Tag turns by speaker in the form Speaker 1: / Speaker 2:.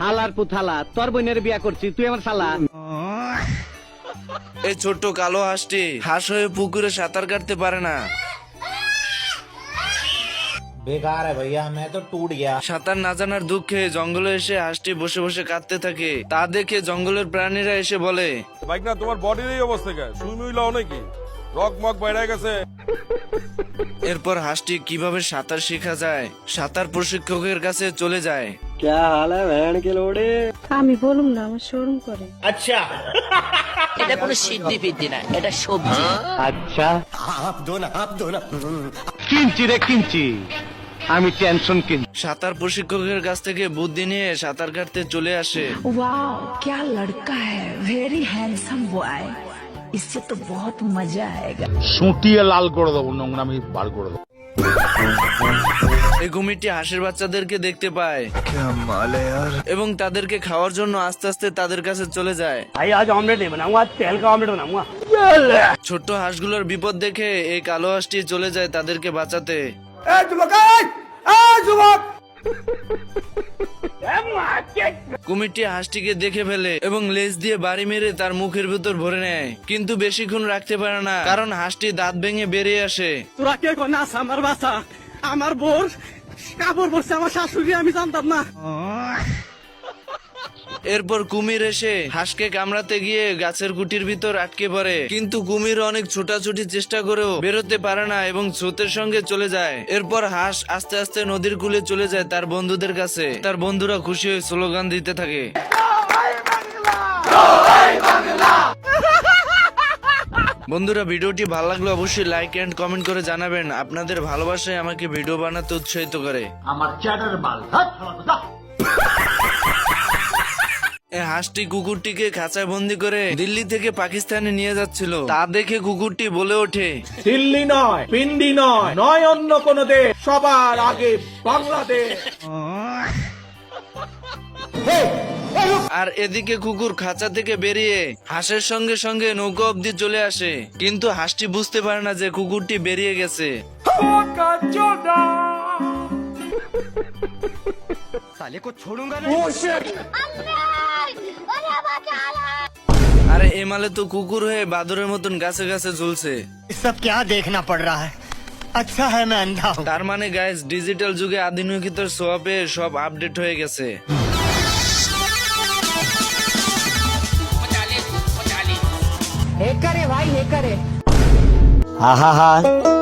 Speaker 1: হালার পুথালা তোর বোনের বিয়া করছি তুই আমার শালা।
Speaker 2: এই ছোট্ট কালো হাঁসটি হাঁস হয়ে পুকুরে সাঁতার কাটতে পারে না।
Speaker 3: बेकार है भैया मैं तो टूट गया।
Speaker 2: সাঁতার না জানার দুঃখে জঙ্গলে এসে হাঁসটি বসে বসে কাঁদতে থাকে। তা দেখে জঙ্গলের প্রাণীরা এসে বলে,
Speaker 4: বাইক না তোমার বডির এই অবস্থা কে? সুই মুই লাও নাকি? রক মক বাইরে গেছে।
Speaker 2: এরপর হাঁসটি কিভাবে সাঁতার শেখা যায় সাঁতার প্রশিক্ষকের কাছে চলে যায়।
Speaker 5: আমি বলুম না, আমার শরম করে।
Speaker 6: এটা কোনো সিদ্ধি ফিদ্ধি না, এটা সবজি।
Speaker 1: আচ্ছা কিনছি রে কিনছি, আমি টেনশন কিনছি।
Speaker 2: সাঁতার প্রশিক্ষকের কাছ থেকে বুদ্ধি নিয়ে সাঁতার কাটতে চলে আসে।
Speaker 6: वाओ क्या लड़का है, वेरी हैंडसम बॉय, इससे तो बहुत मजा आएगा।
Speaker 7: সুটিয়ে লাল করে দেবো, নোংরামি বার করে দেবো।
Speaker 2: এই কুমিরটি হাঁসের বাচ্চাদেরকে দেখতে পায় এবং তাদেরকে খাওয়ার জন্য আস্তে আস্তে তাদের কাছে চলে যায়। ছোট্ট হাঁসগুলোর বিপদ দেখে এই কালো হাঁসটি চলে যায় তাদেরকে বাঁচাতে। কুমিরটি হাঁসটিকে দেখে ফেলে এবং লেজ দিয়ে বাড়ি মেরে তার মুখের ভিতর ভরে নেয়, কিন্তু বেশিক্ষণ রাখতে পারে না কারণ হাঁসটি দাঁত ভেঙে বেরিয়ে আসে।
Speaker 1: তোরা কে কোন আস আমার বাসা, আমার বোর কাপড় পরছে আমার শাশুড়ি, আমি জানতাম না।
Speaker 2: এরপর কুমির এসে হাঁসকে কামড়াতে গিয়ে গাছের কুটির ভিতর আটকে পড়ে, কিন্তু কুমির অনেক ছোটাছুটি চেষ্টা করেও বেরোতে পারে না এবং স্রোতের সঙ্গে চলে যায়। এরপর হাঁস আস্তে আস্তে নদীর কূলে চলে যায় তার বন্ধুদের কাছে। তার বন্ধুরা খুশি হয়ে স্লোগান দিতে থাকে। বন্ধুরা, ভিডিওটি ভালো লাগলে অবশ্যই লাইক এন্ড কমেন্ট করে জানাবেন। আপনাদের ভালোবাসায় আমাকে ভিডিও বানাতে উৎসাহিত করে। এই হাঁসটি কুকুরটিকে খাঁচায় বন্দি করে দিল্লি থেকে পাকিস্তানে নিয়ে যাচ্ছিল। তা দেখে কুকুরটি বলে ওঠে,
Speaker 3: दिल्ली নয়, পিন্ডি নয়, নয় অন্য কোন দেশ, সবার আগে বাংলাদেশ।
Speaker 2: আর এদিকে কুকুর খাঁচা থেকে বেরিয়ে হাঁসের সঙ্গে সঙ্গে নৌকা অব্দি চলে আসে, কিন্তু হাঁসটি বুঝতে পারে না যে কুকুরটি বেরিয়ে গেছে। আরে এমালে তো কুকুর হয়ে বাদরের মতন গাছে গাছে ঝুলছে।
Speaker 8: सब क्या देखना पड़ रहा है? अच्छा है मैं अंधा हूँ।
Speaker 2: তার মানে গাইস, ডিজিটাল যুগে আধুনিকতার ছোঁয়াপে সব আপডেট হয়ে গেছে।
Speaker 8: हाँ हाँ हाँ